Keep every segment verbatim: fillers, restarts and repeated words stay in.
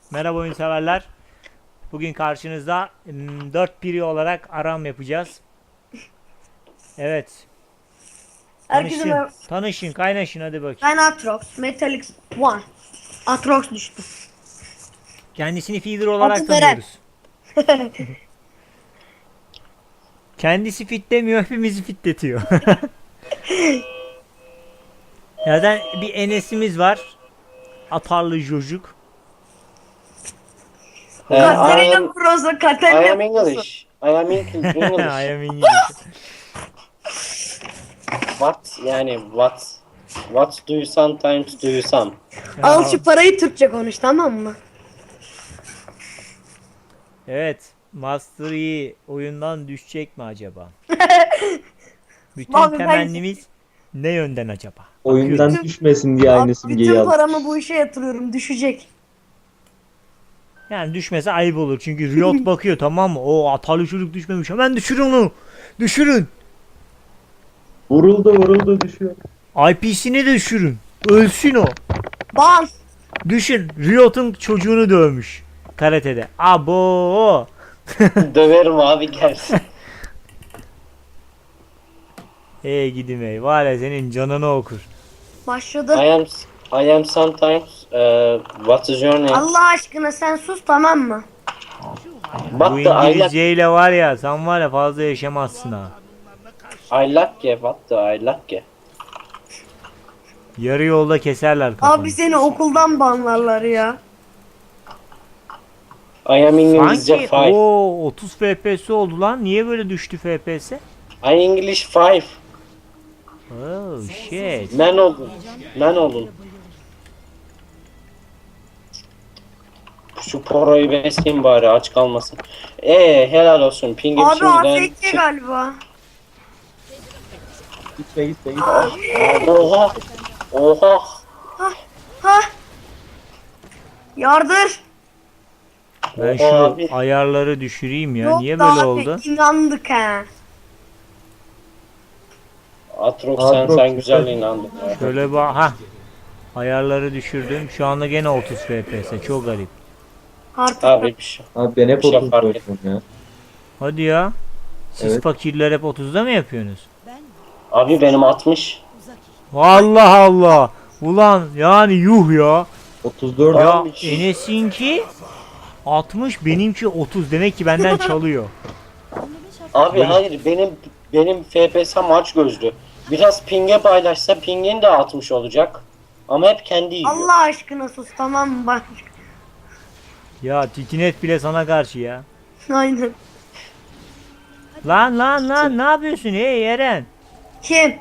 Merhaba oyun severler. Bugün karşınızda mm, dört piri olarak aram yapacağız. Evet. Herkese Tanışın. merhaba. Tanışın, kaynaşın hadi bakayım. Ben Atrox. Metallic One. Atrox düştü. Kendisini feeder olarak Adım Eren. tanıyoruz. Kendisi fitlemiyor, hepimizi fitletiyor. Zaten bir Enes'imiz var. Atarlı çocuk. Uh, I Katerina am Prozo. I am Katerina Prozo. English. I am English. I English. am English. What yani what? What do you sometimes do you some? Al şu parayı Türkçe konuş, tamam mı? Evet. Master Yi oyundan düşecek mi acaba? Bütün Abi ben- temennimiz ne yönden acaba? Oyundan Bütün- düşmesin diye Abi, aynı simgeyi bütün aldım. paramı bu işe yatırıyorum. Düşecek. Yani düşmese ayıp olur. Çünkü Riot bakıyor, tamam mı? O atarlı çocuk düşmemiş. Hemen düşürün onu. Düşürün. Vuruldu vuruldu düşüyor. I P'sini de düşürün. Ölsün o. Ban. Düşün. Riot'un çocuğunu dövmüş. Karatede. Abo. Döverim abi gelsin. Ey gidim ey. Var ya senin canını okur. Başladı. I am I am sometimes uh, what is your name? Allah aşkına sen sus, tamam mı? What Bu the I like İngilizceyle var ya, sen var ya fazla yaşamazsın ha. I like what the I like. Yarı yolda keserler kafanı. Abi seni okuldan banlarlar ya. I am İngilizce Sanki five. o otuz F P S oldu lan. Niye böyle düştü F P S? I English five. Oh shit. Men olun. Men olun. Şu poroyu besleyeyim bari aç kalmasın. Ee helal olsun. Pingim Abi şimdiden A F K çık- galiba. Gitme gitme gitme. Oha. Oha. Ha. Yardır. Ben Oha şu abi. ayarları düşüreyim ya. Yok Niye da böyle abi, oldu? inandık ha. Atrox sen Atrox, sen güzel güzel. inandın ya. Şöyle bak ha. Ayarları düşürdüm. Şu anda gene otuz F P S. Çok garip. Artık Abi bir şey. Abi ben hep Bir şey otuz fark oynuyorum ya. Hadi ya. Siz Evet. fakirler hep otuzda mı yapıyorsunuz? Abi benim altmış. Allah Allah. Ulan yani yuh ya. otuz dört Ya Abi. Enes'inki altmış, benimki otuz. Demek ki benden çalıyor. Abi hayır benim benim F P S maç gözlü. Biraz ping'e paylaşsa ping'in de altmış olacak. Ama hep kendi yiyor. Allah aşkına sus, tamam mı? Bak. Ya Tikinet bile sana karşı ya. Aynen. Lan lan lan ne yapıyorsun ey Eren? Kim?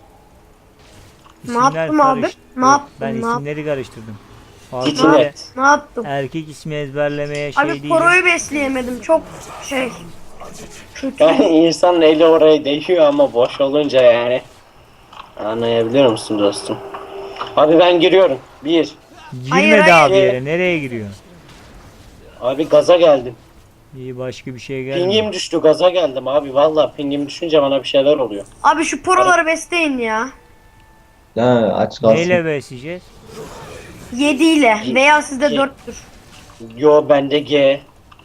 Ne yaptım abi? karıştı. Ne yaptım? Ben Ne yaptım? isimleri karıştırdım. Fazla Tikinet. böyle Ne yaptım? erkek ismi ezberlemeye şey Abi değilim. poroyu besleyemedim. Çok şey. Kötü. Yani insanın eli oraya değiyor ama boş olunca yani. Anlayabiliyor musun dostum? Abi ben giriyorum. Bir. Girmedi Hayır, hayır. abi yere. Nereye giriyorsun? Abi gaza geldim. İyi, başka bir şey gelmiyor. Pingim düştü gaza geldim abi. Vallahi pingim düşünce bana bir şeyler oluyor. Abi şu poroları besleyin ya. Ha aç kalsın. Neyle besleyeceğiz? yedi ile veya sizde Ye- dörttür. Yo bende G.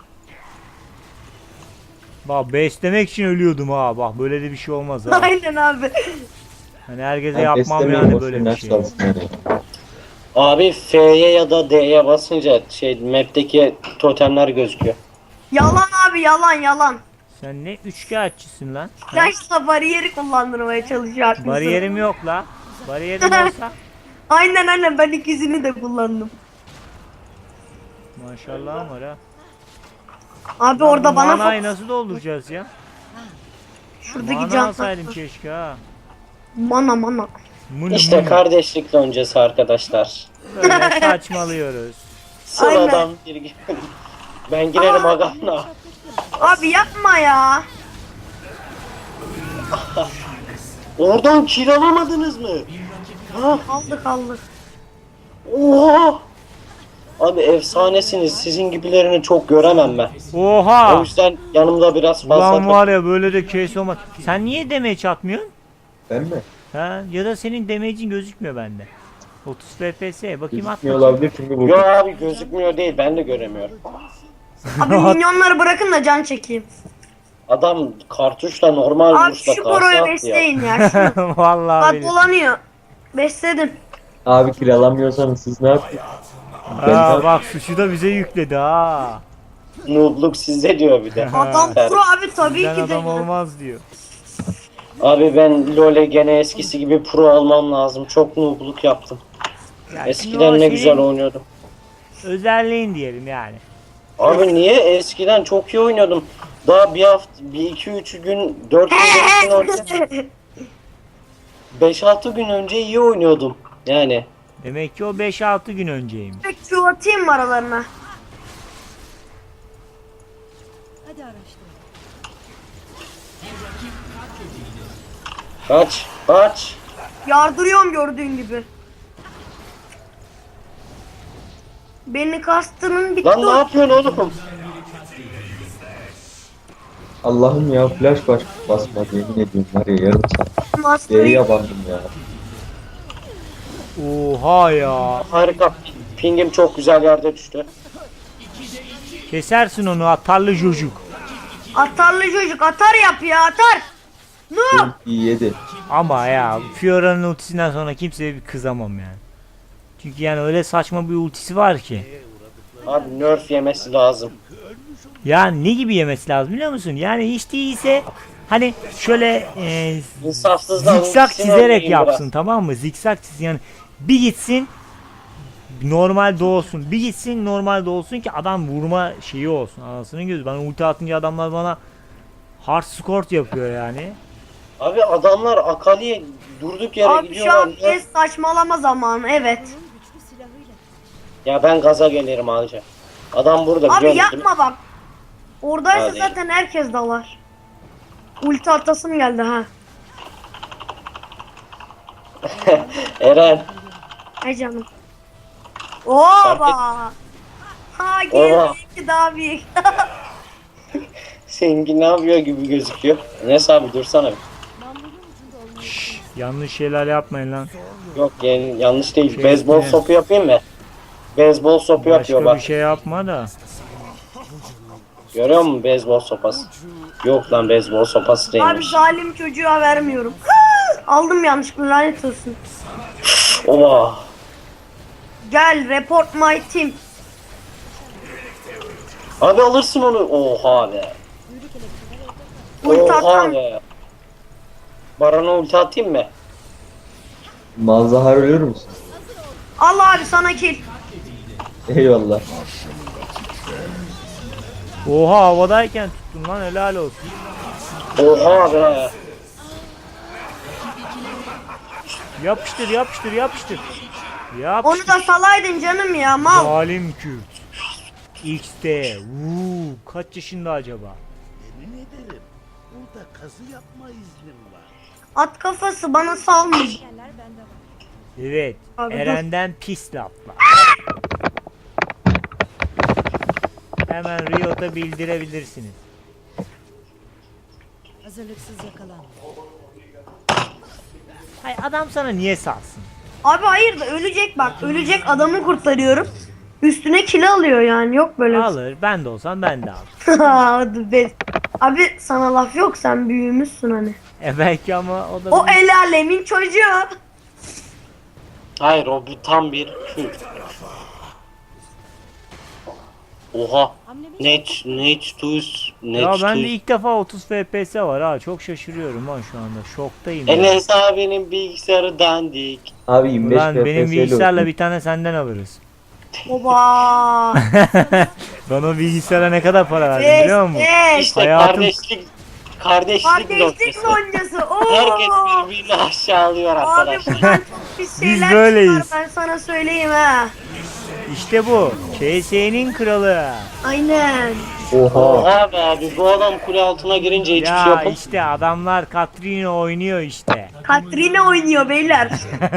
Bak beslemek için ölüyordum ha. Bak böyle de bir şey olmaz ha. Aynen abi. Hani herkese Ben yapmam beslemiyorum, yani boş böyle verin, bir aç şey. kalsın yani. Abi F'ye ya da D'ye basınca şey map'teki totemler gözüküyor. Yalan abi, yalan yalan. Sen ne üçkağıtçısın lan? Ha? Yaşla bariyeri kullandırmaya çalışıyor aklınızı. Bariyerim yok la. Bariyerim olsa. Aynen aynen, ben ikisini de kullandım. Maşallah var ha. Abi Lan orada bu bana manayı fo- nasıl dolduracağız ya? şuradaki Mana can alsaydım keşke ha. mana mana. Mını İşte mını. kardeşlik loncası arkadaşlar. Böyle saçmalıyoruz. Sıradan bir gün. Ben girerim agana. Abi yapma ya. Oradan kill alamadınız mı? Ha? Aldık aldık. Oha! Abi efsanesiniz. Sizin gibilerini çok göremem ben. O Oha! yüzden yanımda biraz fazla... Ulan var ya böyle de case olmaz. Sen niye damage atmıyorsun? Ben mi? Ha? Ya da senin damage'in gözükmüyor bende. otuz F P S bakayım at Gözükmüyor bakayım. olabilir çünkü Yo bu. abi gözükmüyor değil, ben de göremiyorum. Abi minyonları bırakın da can çekeyim. Adam kartuşla normal Abi vuruşla şu karşı poroyu attı ya. besleyin ya. Şunu. Vallahi Bak billahi. dolanıyor. Besledim. Abi kiralamıyorsanız siz ne yapıyorsunuz? Ben Aa, de- bak suçu da bize yükledi ha. Noobluk sizde diyor bir de. Adam Evet. pro abi tabii Bizden ki de. adam olmaz diyor. Abi ben LoL'e gene eskisi gibi pro olmam lazım. Çok noobluk yaptım. Yani şimdi o Eskiden ne senin güzel oynuyordum. özelliğin diyelim yani. Abi niye? Eskiden çok iyi oynuyordum. Daha bir hafta, bir iki üç gün, dört gün, beş gün önce, beş altı gün önce iyi oynuyordum. Yani. Demek ki o beş altı gün önceymiş. Q atayım mı aralarına? Hadi araştır. Kaç, kaç. Yardırıyorum gördüğün gibi. Beni kastının bitti. Lan ne yapıyorsun oğlum? Allah'ım ya flash baş basmadı yemin ediyorum var ya yarım saat. Master'ı Geri yabandım ya. Oha ya. Harika. Pingim çok güzel yerde düştü. Kesersin onu atarlı çocuk. atarlı çocuk atar yap ya atar. No. İyi yedi. Ama ya Fiora'nın ultisinden sonra kimseye bir kızamam yani. Çünkü yani öyle saçma bir ultisi var ki. Abi nerf yemesi lazım. Yani ne gibi yemesi lazım biliyor musun? Yani hiç değilse hani şöyle e, İnsafsızlar. zikzak ultisini çizerek oynayayım yapsın biraz. tamam mı? Zikzak çiz yani bir gitsin normal doğsun. Bir gitsin normal doğsun ki adam vurma şeyi olsun. Anasının gözü. Ben ulti atınca adamlar bana hard score yapıyor yani. Abi adamlar Akali'ye durduk yere Abi şu gidiyorlar. an Ya. bir saçmalama zamanı evet. Güçlü silahıyla. Ya ben gaza gelirim ağaca. Adam burada Abi biliyor musun? yapma bak. Oradaysa Hadi. zaten herkes dalar. Ulti atasım geldi ha. Eren. Ay canım. Oba. Ha Oha. geri daha büyük. Seninki ne yapıyor gibi gözüküyor. Neyse abi dursana bir. Namlunun ucunda olmayı Şşş, yanlış şeyler yapmayın lan. Yok yani yanlış değil. Şey, Beyzbol ne? sopu yapayım mı? Beyzbol sopu yapıyor Başka bak. bir şey yapma da. Görüyor musun beyzbol sopası? Yok lan beyzbol sopası Abi değilmiş. zalim çocuğa vermiyorum. Aldım yanlışlıkla lanet olsun. Oha. Gel report my team. Abi alırsın onu. Oha be. Ulti Oha atan. be. Baran'a ulti atayım mı? Malzahar ölür müsün? Al abi sana kill. Eyvallah. Oha havadayken tuttun lan helal olsun. Oha be. Yapıştır yapıştır yapıştır. Onu Yapıştır. da salaydın canım ya mal. Zalim Kürt. X'te. Uuu kaç yaşında acaba? Yemin ederim burada kazı yapma iznim var. At kafası bana salmış. Yerler bende var. Evet. Abi dur. Eren'den pis laflar. Hemen Riot'a bildirebilirsiniz. Hazırlıksız yakalan. Hay adam sana niye salsın? Abi hayır da ölecek bak. Ölecek adamı kurtarıyorum. Üstüne kill alıyor yani. Yok böyle. bir şey. Alır. Ben de olsam ben de alırım. Hadi be. Abi sana laf yok sen büyümüşsün hani. E belki ama o da O el alemin çocuğu. Hayır o bu tam bir Kürt. Oha. Hamlemi Net, net tuz, net ya tuz. ben de ilk defa otuz F P S var ha. Çok şaşırıyorum ha şu anda. Şoktayım. ya. Enes abinin bilgisayarı dandik. Abi yirmi beş Ulan benim F P S 'le bilgisayarla olsun. bir tane senden alırız. Oba. Ben o bilgisayara ne kadar para verdim Beş biliyor musun? beş. İşte Hayatım- kardeşlik, kardeşlik, Kardeşlik noktası. loncası. Oo. Herkes birbirini aşağılıyor Abi arkadaşlar. buradan çok pis şeyler böyleyiz. çıkar ben sana söyleyeyim ha. İşte bu. K S'nin kralı. Aynen. Oha. Oha be abi bu adam kule altına girince hiçbir şey Ya yapamıyor. işte adamlar Katrina oynuyor işte. Katrina oynuyor beyler.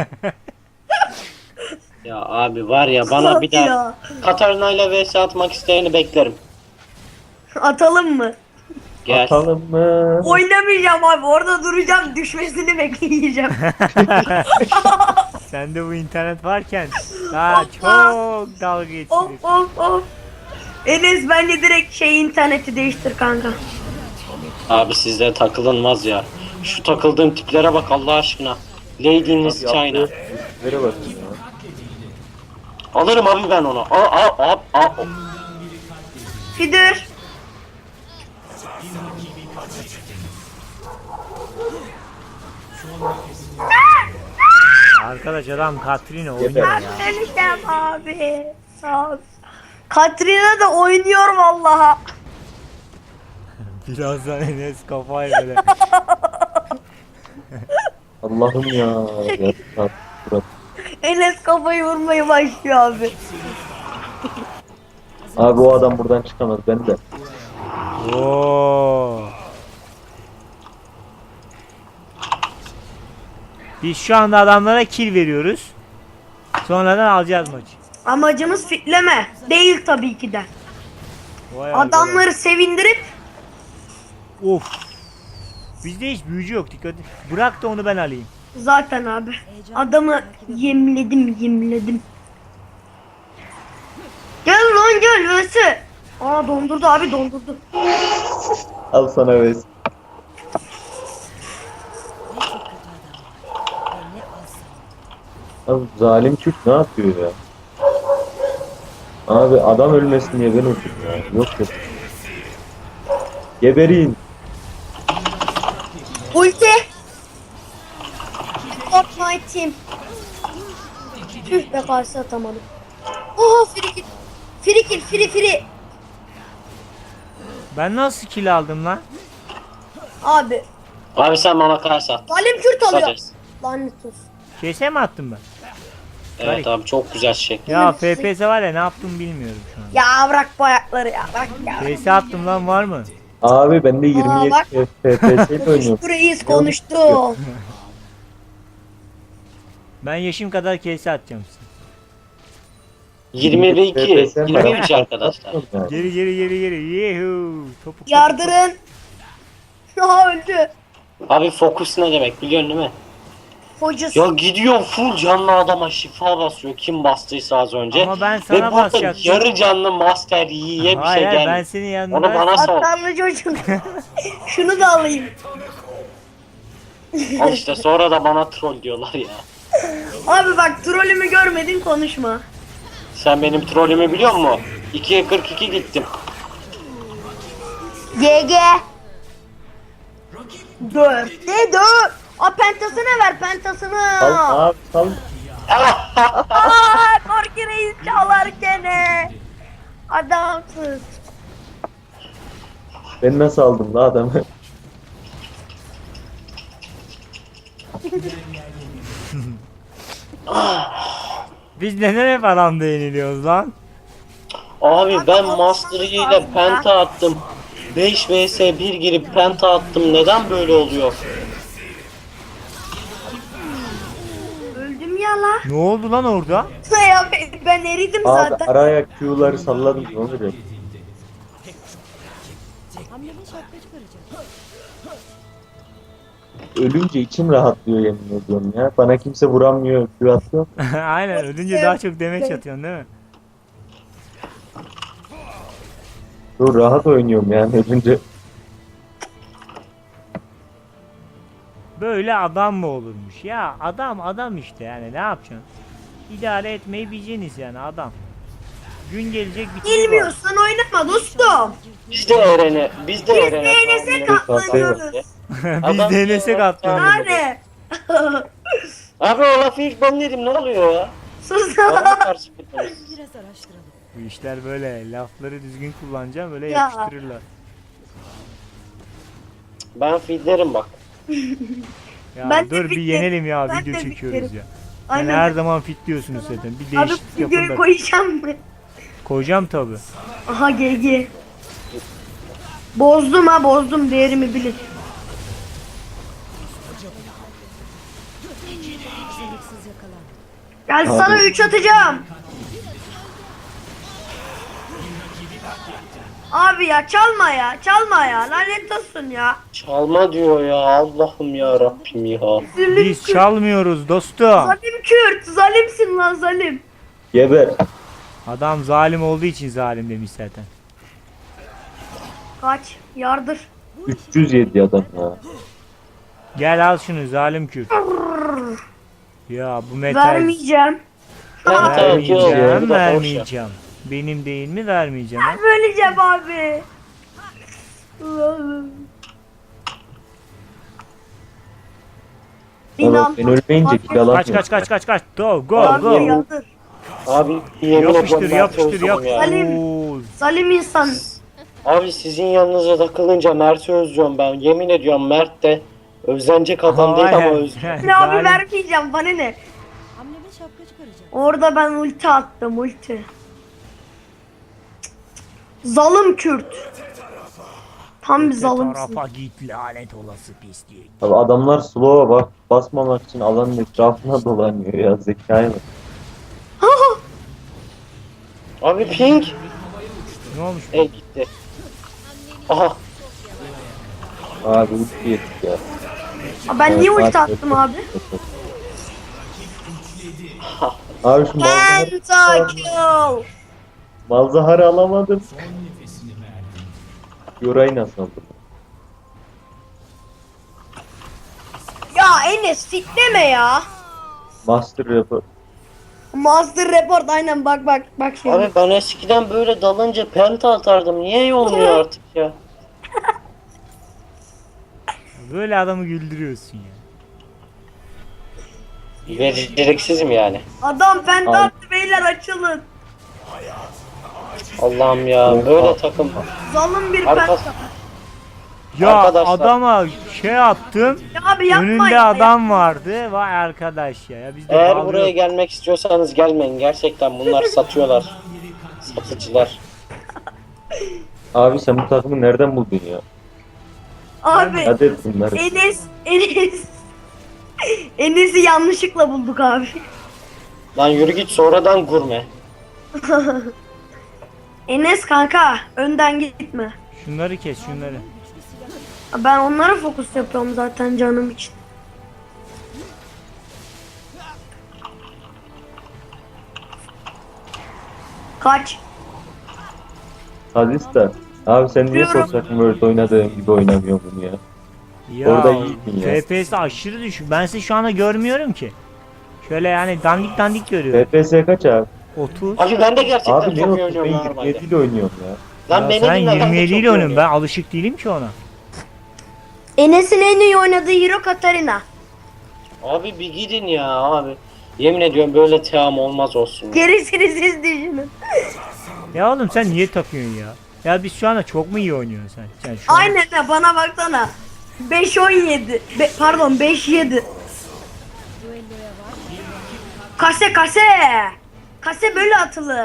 Ya abi var ya bana bir daha Ya. Katarina ile vs atmak isteyeni beklerim. Atalım mı? Gel. Atalım mı? Oynamayacağım abi orada duracağım düşmesini bekleyeceğim. Sende bu internet varken daha çok dalga geçilir. Of of of. Enes bence direkt şey interneti değiştir kanka. Abi sizde takılınmaz ya. Şu takıldığım tiplere bak Allah aşkına. Lady in Miss China. Nereye bakın ya? Alırım abi ben onu. Al al al al. Fidir. Arkadaş adam Katrina oynuyor Yeter. ya. Öleceğim abi. Sağ ol. Katrina da oynuyor vallaha. Birazdan Enes kafayı böyle. Allah'ım ya. Ya tat, Murat. Enes kafayı vurmaya başlıyor abi. Abi o adam buradan çıkamaz ben de. Oo. Biz şu anda adamlara kill veriyoruz. Sonradan alacağız maçı. Amacımız fitleme. Değil tabii ki de. Vay arkadaş. Adamları sevindirip Of. Bizde hiç büyücü yok, dikkat et. Bırak da onu ben alayım. zaten abi. Adamı yemledim yemledim. Gel lan gel Vesi. Aa dondurdu abi dondurdu. Al sana ves. Abi zalim Kürt ne yapıyor ya? Abi adam ölmesin diye ben öldüm ya. Yok yok. Geberin. Ulti. Support my team. Tüh be karşı atamadım. Oha frikil. Frikil fri fri. Ben nasıl kill aldım lan? Abi. Abi sen bana karşı at. Zalim Kürt alıyor. Kısacası. Lanet olsun. Kese mi attım ben? Evet abi çok güzel şey. Ya F P S var ya, ne yaptım bilmiyorum şu an. Ya bırak bu ayakları ya bırak ya. Kese attım lan, var mı? Abi ben de yirmi yedi bak. F P S ile oynuyorum. Konuştu reis konuştu. Ben yaşım kadar kese atacağım size. yirmi ve iki. F P S 'm var. yirmi üç arkadaşlar. Yani. Geri geri geri geri. Yehu. Topuk, topuk, Yardırın. Aha öldü. Abi fokus ne demek biliyorsun değil mi? Focus. Ya gidiyor full canlı adama şifa basıyor kim bastıysa az önce. Ama ben Ve sana burada basacaktım. yarı canlı master yiye bir Hayır şey hayır, ben gelmiyor. senin Onu yanında. bana sor. Atlarlı çocuk. Şunu da alayım. Al işte sonra da bana troll diyorlar ya. Abi bak trolümü görmedin konuşma. Sen benim trollümü biliyor musun? ikiye kırk iki gittim. G G. Dört. Ne dört? A pentasını ver pentasını. Sal abi sal. Aa Korki Reis çalar gene. Adamsız. Ben nasıl aldım la adamı? Biz neden hep adamda yeniliyoruz lan? Abi ben master Yi ile penta attım. beş vs bir girip penta attım. Neden böyle oluyor? Öldüm ya la. Ne oldu lan orada? Ya ben, ben eridim Abi zaten. araya Q'ları salladım ne oluyor? Hamlenin şapka çıkaracak. Ölünce içim rahatlıyor yemin ediyorum ya. Bana kimse vuramıyor, Q atıyor. Aynen, ölünce daha çok demeç atıyorsun değil mi? Dur rahat oynuyorum yani ölünce. Böyle adam mı olurmuş? Ya adam adam işte, yani ne yapacaksın? İdare etmeyi bileceksiniz yani, adam. Gün gelecek bitirir. Bilmiyorsan oynama dostum. Biz de Eren'e, biz de Biz Eren'e. de Enes'e katlanıyoruz. Biz de Enes'e katlanıyoruz. Yani. Abi o lafı ilk ben dedim ne oluyor ya? Sus. Bana karşı gidiyoruz. Biraz araştıralım. Bu işler böyle, lafları düzgün kullanacağım, böyle Ya. yapıştırırlar. Ben feedlerim bak. Ya Ben de dur bir fitlerim. yenelim ya, Ben video de çekiyoruz fitlerim. ya. Yani Aynen. her zaman fitliyorsunuz zaten. Bir Abi değişiklik yapın videoyu da. koyacağım mı? Koyacağım tabi. Aha G G. Bozdum ha bozdum değerimi bilin. Beceriksiz yakalandı. Gel Abi. sana üç atacağım. Abi ya çalma ya. Çalma ya. Lanet olsun ya. Çalma diyor ya, Allah'ım ya Rabbim ya. Zalim Biz Kürt. çalmıyoruz dostum. Zalim Kürt. Zalimsin lan zalim. Geber. Adam zalim olduğu için zalim demiş zaten. Kaç. Yardır. üç yüz yedi adam ya. Gel al şunu zalim Kürt. Ya bu metal Vermeyeceğim. Ben de vermeyeceğim, yok, bu da boş ya. vermeyeceğim. Benim değil mi vermeyeceğim ha? Vermeyeceğim abi. Valla İnan. ben ölmeyince kill alamıyorum. Kaç kaç kaç kaç kaç. Go go Yardır go. yardır. Abi yemin Yapıştır ediyorum yapıştır Mert'i özledim ya. yapıştır. Salim. Oo, Zalim insan. Abi sizin yanınıza takılınca Mert'i özlüyorum ben. Yemin ediyorum Mert de özlenecek adam değil ama hayır. özlüyorum. Ne abi Zalim. vermeyeceğim bana ne? Hamleme şapka çıkaracak. Orada ben ulti attım ulti. Zalim Kürt. Tam bir Öte zalimsin. tarafa git lanet olası pislik. Abi adamlar slow'a bak basmamak için alanın etrafına dolanıyor ya, zekayı bak. Abi ping. Ne olmuş? E gitti. Aha. Abi ulti yedik ya. Aa, Ben niye Evet, ulti abi, attım yok, abi? yok, yok. Abi şu malzahar, Pentakill. malzaharı alamadım. Yorayı nasıl aldım? Ya Enes sikleme ya. Master Rapper. Master Report aynen bak bak bak şimdi. Abi ben eskiden böyle dalınca penta atardım. Niye olmuyor artık ya? Böyle adamı güldürüyorsun ya. Beceriksizim yani. Adam penta Al. attı beyler açılın. Allah'ım ya böyle takım. Zalim bir Arka- penta. Ya Arkadaşlar. adama şey attım. Ya abi yapma Önünde ya. adam vardı. Vay arkadaş ya. ya biz de Eğer dalıyoruz. buraya gelmek istiyorsanız gelmeyin. Gerçekten bunlar satıyorlar. Satıcılar. Abi sen bu takımı nereden buldun ya? Abi Hadi et bunları. Enes Enes Enes'i yanlışlıkla bulduk abi. Lan yürü git sonradan gurme. Enes kanka önden gitme. Şunları kes şunları. Ben onlara fokus yapıyorum zaten canım için. Kaç. Hazista. Abi sen niye Biliyorum. Social World oynadığın gibi oynamıyorsun bunu ya? Ya Orada iyiydin ya. F P S aşırı düşük. Ben sizi şu anda görmüyorum ki. Şöyle yani dandik dandik görüyorum. F P S kaç abi? otuz. Abi ben de gerçekten Abi ne çok iyi oldu? oynuyorum Ben normalde. yirmi yedi ile oynuyorum ya. Lan Ya beni sen dinle, ben de yirmi yedi çok ile iyi oynuyorsun. Ben oynuyorum. alışık değilim ki ona. Enes'in en iyi oynadığı hero Katarina. Abi bir gidin ya abi. Yemin ediyorum böyle team olmaz olsun. ya. Gerisini siz düşünün. Ya oğlum sen niye takıyorsun ya? Ya biz şu anda çok mu iyi oynuyorsun sen? sen şu an- Aynen ha bana baksana. beş on yedi. Be- pardon beş yedi. Kase kase. Kase böyle atılır.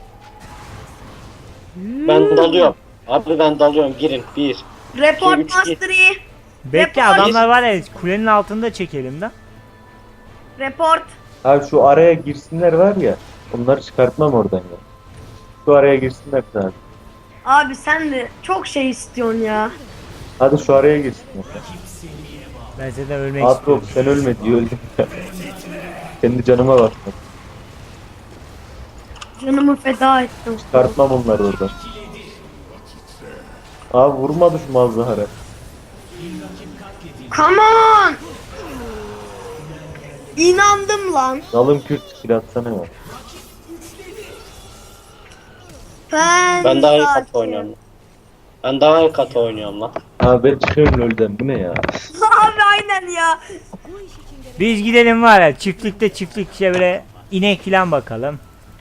Ben dalıyorum. Abi ben dalıyorum girin. Bir. Report üç, Mastery. Bekle Report. adamlar var ya kulenin altında çekelim de. Report. Abi şu araya girsinler var ya. Onları çıkartmam oradan ya. Şu araya girsinler abi. Abi sen de çok şey istiyorsun ya. Hadi şu araya girsinler. Ben zaten ölmek Atrop istiyorum. sen ölme diyor öldüm ya. Kendi canıma bak. Canımı feda ettim. Çıkartmam onları oradan. Abi vurmadı şu Malzahar'a. Come on. İnandım lan. Zalım Kürt skill atsana ya. Ben, Ben daha iyi sakin. katı oynuyorum. Ben daha iyi katı oynuyorum lan. Abi ben çıkıyorum LoL'den, bu ne ya? Abi aynen ya. Biz gidelim var ya çiftlikte çiftlik işte böyle inek falan bakalım.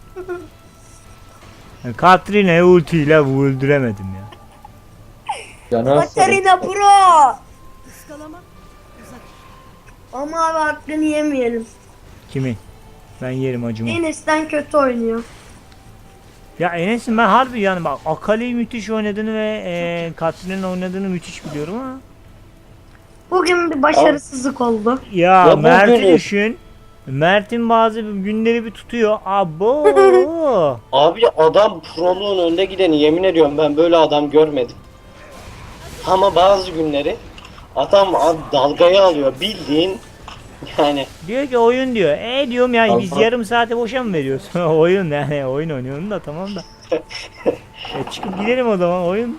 Yani Katrina'yı ultiyle öldüremedim ya. Canı az Katarina Pro. Iskalama. Uzak. Ama abi hakkını yemeyelim. Kimin? Ben yerim acımı. Enes'ten kötü oynuyor. Ya Enes'in ben harbi yani bak Akali'yi müthiş oynadığını ve e, Katrina'nın oynadığını müthiş biliyorum ama. Bugün bir başarısızlık oldu. Ya Ya bu Mert'i beni- düşün. Mert'in bazı günleri bir tutuyor. Abo. Abi adam proluğun önde gideni, yemin ediyorum ben böyle adam görmedim. Ama bazı günleri adam ad- dalgayı alıyor bildiğin yani. Diyor ki oyun diyor. E diyorum ya biz Allah. yarım saate boşa mı veriyorsun? Oyun yani oyun oynuyorum da tamam da. E çıkıp gidelim o zaman oyun.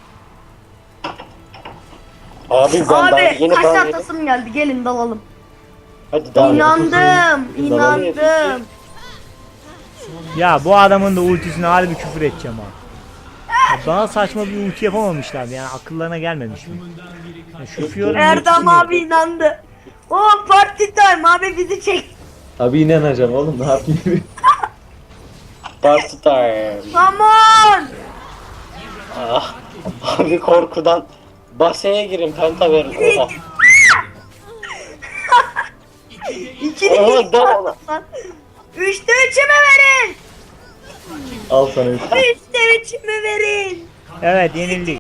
Abi ben daha Abi yeni kaç ban yedim. tahtasım geldi gelin dalalım. Hadi daha İnandım, inandım. Ya bu adamın da ultisine harbi bir küfür edeceğim ha. Ya bana saçma bir ulti yapamamışlar yani akıllarına gelmemiş mi? Ya şu Fiora'nın Erdem ultisini- abi inandı. Oh party time abi bizi çek. Abi inanacağım oğlum ne yapayım? Party time. Come on. Ah, abi korkudan baseye girin penta verin. Oha. İkili Oha, iki dal attım lan. Üçte üçümü verin. Al sana üç. Üçte üçümü verin. Evet yenildik.